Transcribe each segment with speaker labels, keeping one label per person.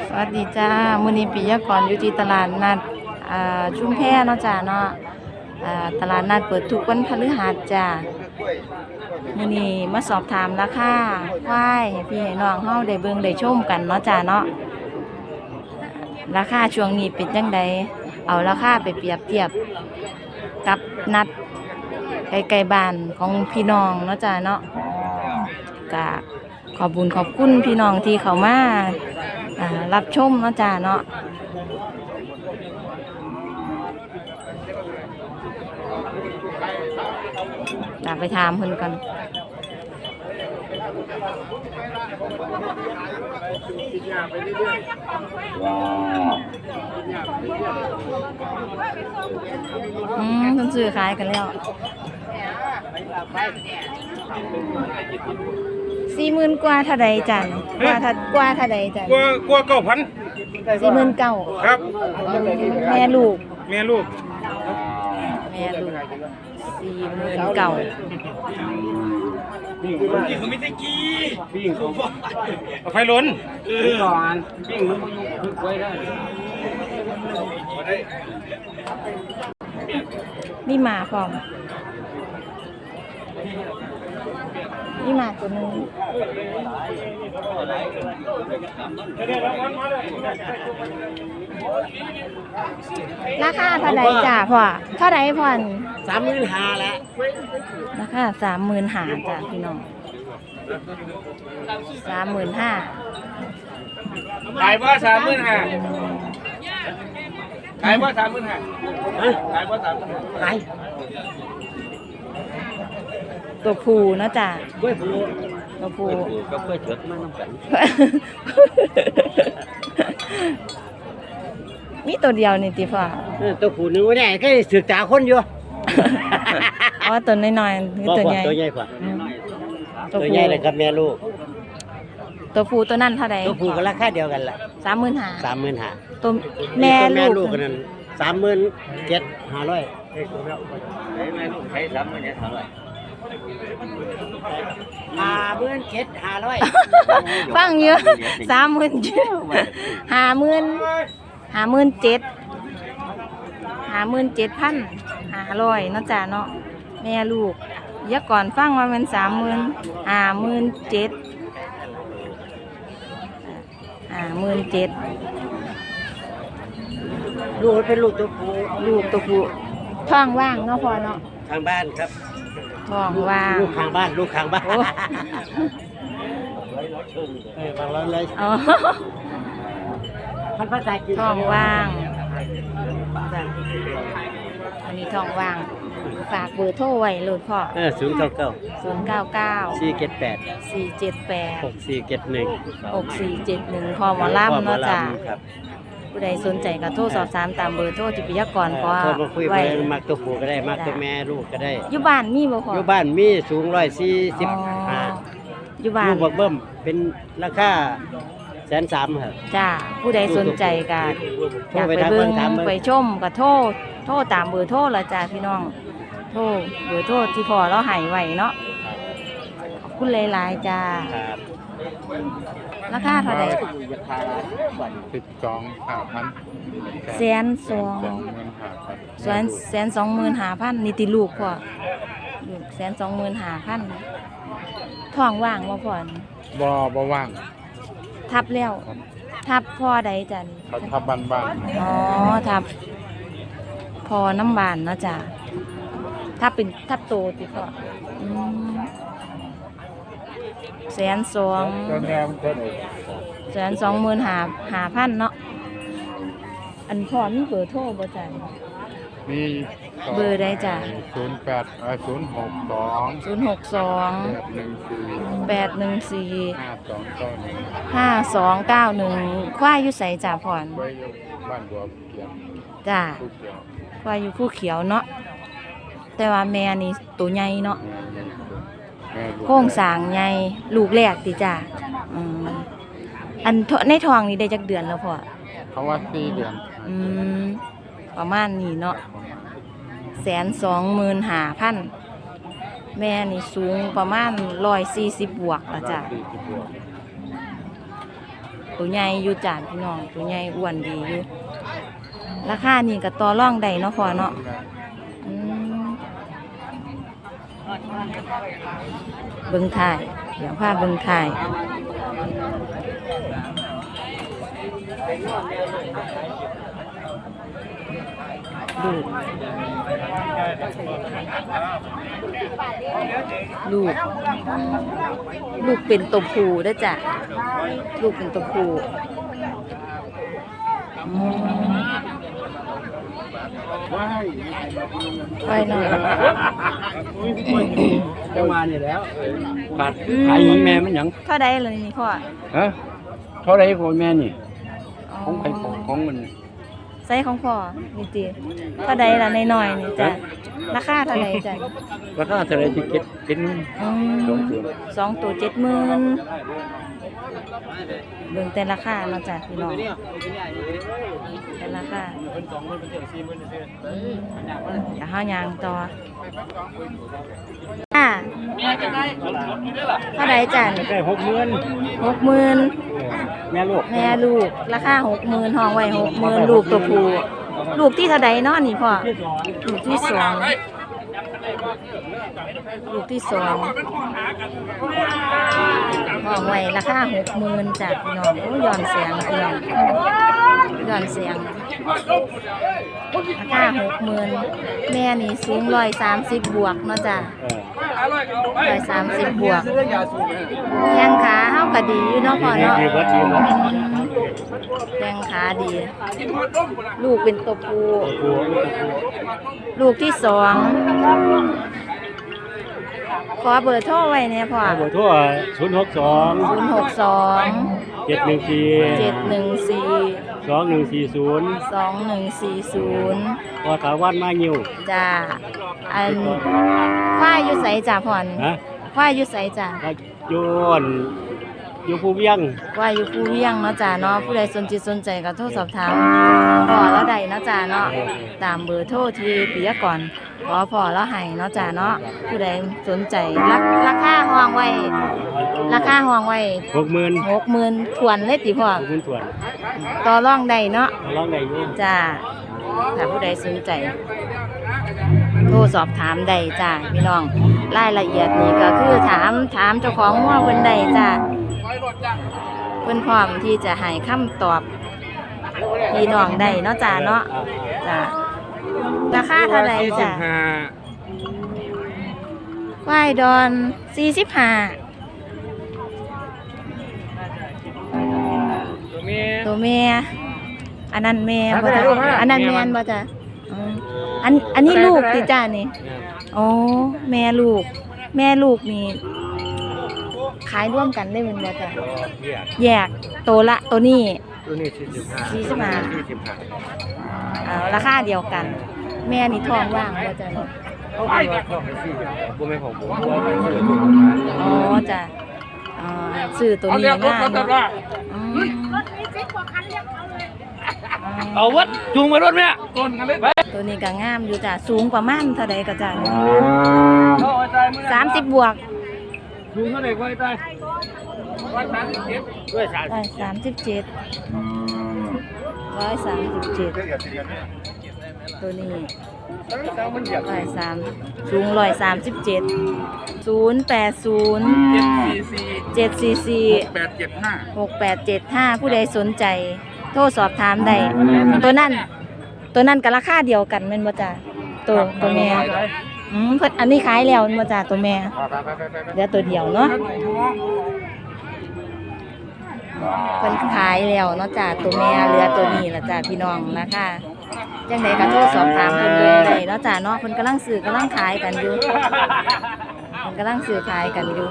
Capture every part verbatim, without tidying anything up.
Speaker 1: สวัสดีจ้ามื้อนี้ปิยากรอยู่ที่ตลาดนัดอ่าชุมแพเนาะจ้าเนาะอ่าตลาดนัดเปิดทุกวันพฤหัสจ้ามื้อนี้มาสอบถามราคาควายให้พี่ให้น้องเฮาได้เบิ่งได้ชมกันเนาะจ้าเนาะราคาช่วงนี้เป็นจังไดเอาราคาไปเปรียบเทียบกับนัดใกล้ๆบ้านของพี่น้องเนาะจ้าเนาะก็ขอบคุญขอบคุณพี่น้องที่เขามารับชมเนาะจ้าเนาะตามไปถามเพิ่นกันอืมเพิ่นซื้อขายกันแล้วสี่หมื่นกว่าเท่าใดจันกว่าถ้ากว่าเท่าใดจัน
Speaker 2: กว่ากว่าเก้าพัน
Speaker 1: สี่หมื่นเก้า
Speaker 2: ครับ
Speaker 1: แม่ลูก
Speaker 2: แม่ลูก
Speaker 1: แม่ลูกสี่หมื่นเก้า
Speaker 2: ปิ้งเขาไม่ได้กี้ปิ้งเขาไฟล้นปิ้งก่อนปิ้งมันก็ยุบไว้ได้
Speaker 1: นี่มาพร้อมนี่มาตัวนึงราคาเท่าไหร่จ้าพ่อเท่าไหร่พ่อน
Speaker 2: สามหมื่นห้าแล้ว
Speaker 1: ราคาสามหมื่นห้าจ้าพี่น้องสามหมื่นห้า
Speaker 2: ขายว่าสามหมื่นห้าขายว่าสามหมื่นห้าขายว่าสามหมื่นห้าขาย
Speaker 1: ตัวผูนะจ้ะ
Speaker 2: กล้วยผู
Speaker 1: ตัวผู
Speaker 2: ก็กล้วยเถิดมาน้ำกัน
Speaker 1: มีตัวเดียวนี่ติพ่อ
Speaker 2: ตัวผูนึงว่าเนี่ยก็ศึกษาคนอยู่
Speaker 1: อ๋อตัวน้อยๆคือตัวใหญ่
Speaker 2: ตัวใหญ่กว่าตัวใหญ่เลยครับแม่ลูก
Speaker 1: ตัวผูตัวนั่นเท่าไหร่
Speaker 2: ตัวผูก็ราคาเดียวกันละ
Speaker 1: สามหมื่นห้า
Speaker 2: สามหมื่นห้า
Speaker 1: ตัวแม่ลูก
Speaker 2: กันนั้นสามหมื่นเจ็ดห้าร้อยแม่ลูกใช้สามหมื่นเจ็ดห้าร้อยห้าหมื่นเจ็ดห้าร้อย
Speaker 1: ฟังเยอะสามหมื่นเจ็ดห้าหมื่นห้าหมื่นเจ็ดห้าหมื่นเจ็ดพันห้าร้อยเนาะจ้าเนาะแม่ลูกเยอะก่อนฟังว่ามันสามหมื่นห้าหมื่นเจ็ดห้าหมื่นเจ็ด
Speaker 2: ลูกเป็นลูกตัวผู้
Speaker 1: ลูกตัวผู้ท้องว่างเนาะพอเนาะ
Speaker 2: ทางบ้านครับ
Speaker 1: ท้องว่าง
Speaker 2: ลูกข้างบ้านลูกข้างบ้านเออบางร้อนเลย
Speaker 1: อ๋อ
Speaker 2: พันภาษาจีน
Speaker 1: ท้องว่างอันนี้ท้องว่างฝากเบอร์โทรไว้เลยพ่อ
Speaker 2: เออศูนย์เก้าเก้า
Speaker 1: ศูนย์เก้าเก้า
Speaker 2: สี่เจ็ดแปด
Speaker 1: สี่เจ็ดแปด
Speaker 2: หกสี่เจ็ดหนึ่ง
Speaker 1: หกสี่เจ็ดหนึ่งพอหมอลำเนาะจ้ะผู้ใดสนใจก็โทรสอบถามตามเบอร์โทรที่ปิยากรก็
Speaker 2: ไว้มักตัวผู้ก็ได้มักตัวแม่ลูกก็ได้
Speaker 1: อยู่บ้านมีบ่พ่อ
Speaker 2: อยู่บ้านมีสูงร้อยสี่สิบห้า
Speaker 1: อยู่บ้าน
Speaker 2: ลูกบักเบิ้มเป็นราคาแสนสามครับ
Speaker 1: จ้าผู้ใดสนใจก็อยากไปเบิ่งไปชมก็โทรโทรตามเบอร์โทรละจ้าพี่น้องโทรเบอร์โทรที่พ่อเราให้ไว้เนาะขอบคุณหลายๆจ้าราคาเท่าไหร่
Speaker 3: สิบสองห้าพัน
Speaker 1: แสนสองแสนแสนสองหมื่นห้าพันนี่ติลูกพ่อลูกแสนสองหมื่นห้าพันท้องว่างบ่พ่อ
Speaker 3: บ่บ่ว่าง
Speaker 1: ทับแล้วทับพ่อใดจ้ะ
Speaker 3: ทับบ้านบ้าน
Speaker 1: อ๋อทับพอน้ำบานเนาะจ้ะทับเป็นทับโตติพ่อแสนสองแสนสองหมื่นห้าห้าพันเนาะอันพ่อมีเบอร์โทรบ่จ้ะ
Speaker 3: มี
Speaker 1: เบอร์ใดจ้ะ
Speaker 3: ศูนย์แปดศูนย์หกสอง
Speaker 1: ศูนย์หกสองแปดหนึ่งสี่ห้าสองเก้าหนึ่งควายอยู่ไสจ้ะพ่อน
Speaker 3: บ้านบัวเขียว
Speaker 1: จ้ะควายอยู่ผู้เขียวเนาะแต่ว่าแม่นี่ตัวใหญ่เนาะโค้งสางใหญ่ลูกแรกติจ้ะอันในท้องนี่ได้จักเดือนแล้วพ่อ
Speaker 3: เขาว่าสี่เดือน
Speaker 1: อืมประมาณนี้เนาะแสนสองหมื่นห้าพัน แม่นี่สูงประมาณร้อยสี่สิบบวกละจ้ะตัวใหญ่อยู่จ้ะพี่น้องตัวใหญ่อ้วนดีอยู่ราคานี่ก็ต่อรองได้เนาะพ่อเนาะอืมเบิ่งถ่ายเดี๋ยวพาเบิ่งถ่ายลูกลูกลูกเป็นตัวผู้เด้อจ้ะลูกเป็นตัวผู้อืมไปหน่อย
Speaker 2: จะมานี่แล้วขาดขายแม่มันหยัง
Speaker 1: เท่าใดเลยนี่พ่อ
Speaker 2: ฮะเท่าไรของแม่นี่ของใครของของมัน
Speaker 1: ไซส์ของพ่อนี่ติเท่าใดล่ะน้อยๆนี่จ้ะราคาเท่าใดจ้ะ
Speaker 2: ราคาเท่าไรที่เก็บเป็น
Speaker 1: อืมสองตัวเจ็ดหมื่นเบิ่งแต่ราคาเนาะจ้ะพี่น้องแต่ราคาอย่าห้าวยางต่ออ่าเท่าใดจ้ะ
Speaker 2: ได้หกหมื่น
Speaker 1: หกหมื่น
Speaker 2: แม่ลูก
Speaker 1: แม่ลูกราคาหกหมื่นห้องไว้หกหมื่นลูกตัวผู้ลูกที่เท่าใดเนาะนี่พ่อลูกที่สองลูกที่สองห้องไว้ราคาหกหมื่นจากพี่น้องโอ้ย้อนเสียงพี่น้องย้อนเสียงราคาหกหมื่นแม่นี่สูงร้อยสามสิบบวกเนาะจ้ะร้อยสามสิบบวกแข้งขาเฮาก็ดีอยู่เนาะพ่อเนาะแข้งขาดี ลูกเป็นตัวผู้ลูกที่สองขอเบอร์โทรไว้เนี่ยพ่อ
Speaker 2: เบอร์โทรศูนย์หกสอง
Speaker 1: ศูนย์หกสอง
Speaker 2: เจ็ดหนึ่งสี่
Speaker 1: เจ็ดหนึ่งสี่
Speaker 2: สองหนึ่งสี่ศูนย์
Speaker 1: สองหนึ่งสี่ศูนย์
Speaker 2: พอถาวันมางิ้ว
Speaker 1: จ้าอันควายอยู่ไสจ้าพ่อน
Speaker 2: ฮะ
Speaker 1: ควายอยู่ไสจ้า
Speaker 2: โยนอยู่ภูเวียง
Speaker 1: ควายอยู่ภูเวียงเนาะจ้าเนาะผู้ใดสนจิตสนใจก็โทรสอบถามพ่อแล้วใดเนาะจ้าเนาะตามเบอร์โทรที่ปิยกรขอพ่อแล้วให้เนาะจ้าเนาะผู้ใดสนใจราราคาห้องไว้ราคาห้องไว้
Speaker 2: หกหมื่น
Speaker 1: หกหมื่นทวนเลยติพ่อ
Speaker 2: หกหมื่นส่วน
Speaker 1: ต่อรองได้เนาะ
Speaker 2: ร้องได้อยุ่
Speaker 1: จ้าถ้าผู้ใดสนใจโทรสอบถามได้จ้าพี่น้องรายละเอียดนี่ก็คือถามถามเจ้าของว่าเพิ่นใดจ้าเพิ่นพร้อมที่จะให้คำตอบพี่น้องได้เนาะจ้าเนาะจ้าราคาเท่าไหร่จ้าควายดอนสี่สิบห้า
Speaker 2: ตัวเมีย
Speaker 1: ตัวแม่อันนั้นแม่บ่จ้ะอันนั้นแม่นบ่จ้ะอืมอันอันนี้ลูกติจ้านี่อ๋อแม่ลูก แม่ลูกนี่ขายร่วมกันได้แม่นบ่จ้ะแยกตัวละตัวนี้
Speaker 2: ตัวนี้สี่สิบห้า
Speaker 1: สี่สิบห้า
Speaker 2: สี่สิบห้า
Speaker 1: อ่าราคาเดียวกัน แม่นี่ท้องว่างบ่จ้ะ
Speaker 2: เขาไปว่าเขาไปสี่บุ้ไม่ของผม
Speaker 1: อ๋อจ้ะอ๋อซื้อตัวนี้ง่ายเนาะอืม
Speaker 2: เอาวัดจูงมารถไหมต้นกันเลย
Speaker 1: ตัวนี้ก็งามอยู่จ้ะสูงกว่าม่านเท่าใดก็จ้ะสามสิบบวก
Speaker 2: จูงเท่าไหร่ไว้ตายร้อยสามสิบเจ็ดด้วยสาม
Speaker 1: ร้อยสามสิบเจ็ดร้อยสามสิบเจ็ดตัวนี้ร้อยสามสูงร้อยสามสิบเจ็ดศูนย์แปดศูนย์เจ็ดสี่สี่
Speaker 2: แปดเจ็ดห้า
Speaker 1: หกแปดเจ็ดห้าผู้ใดสนใจ โทรสอบถามได้ตัวนั้น ตัวนั้นกับราคาเดียวกันแม่นบ่จ้ะตัวตัวแม่อืมเพิ่นอันนี้ขายแล้วแม่นบ่จ้ะตัวแม่เหลือตัวเดียวเนาะเพิ่นขายแล้วเนาะจ้ะตัวแม่เหลือตัวนี้ล่ะจ้ะพี่น้องนะคะจังไดก็โทรสอบถามเพิ่นเบิ่งได้เนาะจ้ะเนาะเพิ่นกำลังซื้อกำลังขายกันอยู่เพิ่นกำลังซื้อขายกันอยู่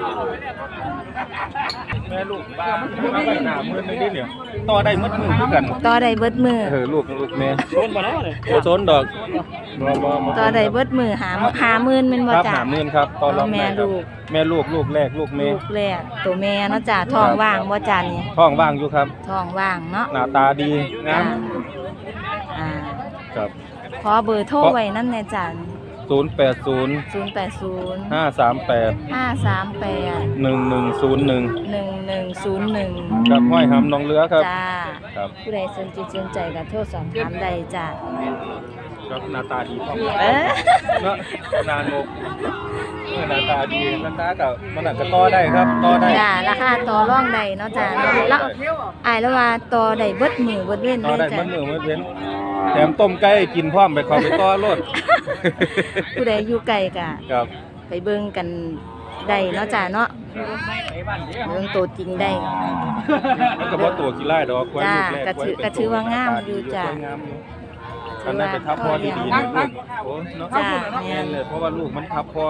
Speaker 2: แม่ลูกบ้ามันไม่หนามือไม่ได้เนี่ยต่อได้มัดมือคือกัน
Speaker 1: ต่อได้เบิดมือ
Speaker 2: เออลูกลูกแม่โซนมาแล้วเลยโอ้โซนดอกบ่บ่บ่
Speaker 1: ต่อได้เบิดมือหาหาหมื่นแม่นบ่
Speaker 2: ครับ
Speaker 1: จ้ะ
Speaker 2: หาหมื่นครับตอนรับ
Speaker 1: แม่ลูก
Speaker 2: แม่ลูกลูกแรกลูกแม่
Speaker 1: ลูกแรกตัวแม่เนาะจ้ะท้องว่างบ่จ้ะนี่
Speaker 2: ท้องว่างอยู่ครับ
Speaker 1: ท้องว่างเนาะ
Speaker 2: หน้าตาดีงาม
Speaker 1: อ่า
Speaker 2: ครับ
Speaker 1: ขอเบอร์โทรไว้นำแน่จ้ะ
Speaker 2: ศ
Speaker 4: ศูนย์แปดศูนย์
Speaker 1: ศูนย์แปดศูนย์
Speaker 4: ห้าสามแปด
Speaker 1: ห้าสามแปด
Speaker 4: หนึ่งหนึ่งศูนย์หนึ่ง
Speaker 1: หนึ่งหนึ่งศูนย์หนึ่ง
Speaker 4: กับห้อยหำน้องเรือครับ
Speaker 1: จ้า
Speaker 4: ครับ
Speaker 1: ผู้ใดสนจิตสนใจก็โทรสอบถามได้จ้า
Speaker 4: ครับหน้าตาดีครับ
Speaker 1: เอ๊ะ
Speaker 4: เนาะนานกเออหน้าตาดีหน้าตากับมันอาจจะต่อได้ครับต่อได้
Speaker 1: จ้าราคาต่อรองได้เนาะจ้าเนาะแล้วอายแล้วว่าต่อได้เบิดมือเบิดเว้น
Speaker 4: ต่อ
Speaker 1: เล
Speaker 4: ได้
Speaker 1: ยจ้า
Speaker 4: มันมือมันเว้นแถมต้มไก่กินพร้อมไปขอไปต่อรถ
Speaker 1: ผู้ใดอยู่ไกลก็
Speaker 4: ครับ
Speaker 1: ไปเบิ่งกันได้เนาะจ้าเนาะเบิ่งตัวจริงได้
Speaker 4: มันก็บ่ตัวกี่ไร่ดอกกล้วย
Speaker 1: จ้า
Speaker 4: ลูกแรก
Speaker 1: ก็ถือ
Speaker 4: ล้วย
Speaker 1: ก็ถือว่างามอยู่จ้ะ
Speaker 4: กล้วยงามอยู่คันได้ไปทับพอดีๆนะลูกโอ้เนาะ
Speaker 1: จ้า
Speaker 4: แม่นเลยเพราะว่าลูกมันทับพอ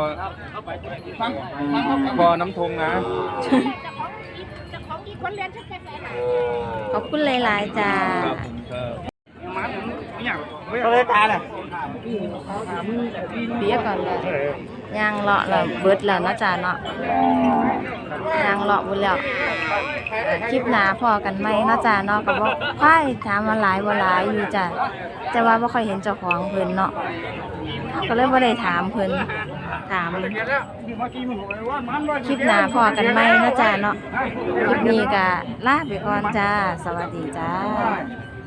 Speaker 4: พอน้ำทงนะ
Speaker 1: ขอบคุณหลายๆจ้า
Speaker 4: ครับผมครับ
Speaker 2: ก็เลยตาน่ะ
Speaker 1: เบียก่อนเลยย่างเลาะแล้วเบิดแล้วเนาะจ้าเนาะย่างเลาะหมดแล้วเอ่อคลิปหน้าพอกันไหมเนาะจ้าเนาะก็บ่ค่อยถามว่าหลายบ่หลายอยู่จ้ะแต่ว่าบ่ค่อยเห็นเจ้าของเพิ่นเนาะก็เลยบ่ได้ถามเพิ่นถามคลิปหน้าพอกันไหมเนาะจ้าเนาะคลิปนี้ก็ลาไปก่อนจ้าสวัสดีจ้า